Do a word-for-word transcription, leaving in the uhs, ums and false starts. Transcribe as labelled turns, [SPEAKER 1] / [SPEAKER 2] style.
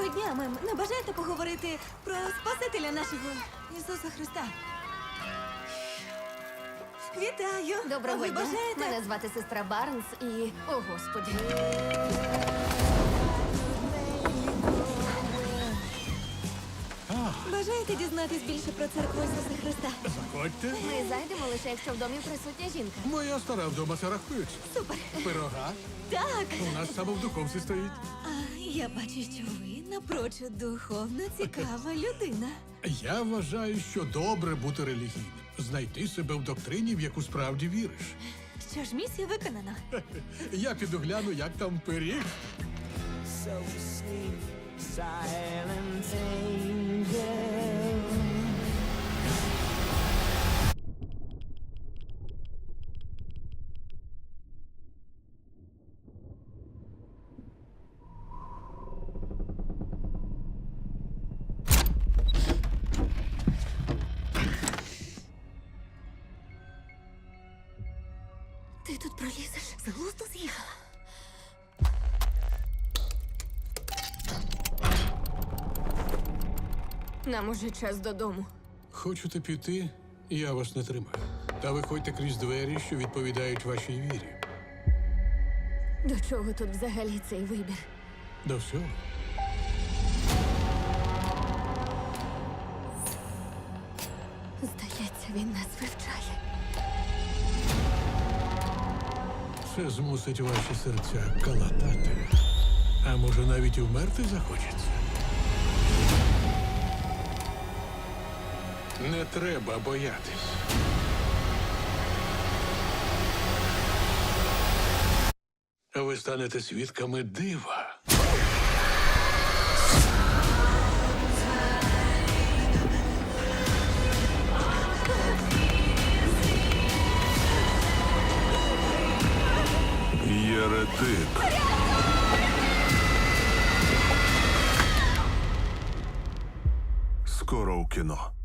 [SPEAKER 1] Доброго дня, мем. Не бажаєте поговорити про Спасителя нашого Ісуса Христа? Вітаю!
[SPEAKER 2] Доброго
[SPEAKER 1] Ви
[SPEAKER 2] дня.
[SPEAKER 1] бажаєте?
[SPEAKER 2] Мене звати сестра Барнс і... О, Господі.
[SPEAKER 1] Бажаєте дізнатись більше про церкву Ісуса Христа?
[SPEAKER 3] Заходьте.
[SPEAKER 2] Ми зайдемо лише, якщо в домі присутня жінка.
[SPEAKER 3] Моя стара вдома це рахується.
[SPEAKER 1] Супер!
[SPEAKER 3] Пирога.
[SPEAKER 1] Так!
[SPEAKER 3] У нас саме в духовці стоїть.
[SPEAKER 1] А, я бачу, що ви напрочуд духовно цікава людина.
[SPEAKER 3] Я вважаю, що добре бути релігійним. Знайти себе в доктрині, в яку справді віриш.
[SPEAKER 1] Що ж, місія виконана.
[SPEAKER 3] Я піду гляну, як там пиріг.
[SPEAKER 4] So sleep, silent angel.
[SPEAKER 1] Ти тут пролізеш? З глузду з'їхала.
[SPEAKER 2] Нам уже час додому.
[SPEAKER 3] Хочете піти, я вас не тримаю. Та виходьте крізь двері, що відповідають вашій вірі.
[SPEAKER 2] До чого тут взагалі цей вибір?
[SPEAKER 3] До всього.
[SPEAKER 2] Здається, він нас вивчає.
[SPEAKER 3] Це змусить ваші серця калатати. А може, навіть і вмерти захочеться? Не треба боятись. Ви станете свідками дива.
[SPEAKER 5] Єретик. Скоро у кіно.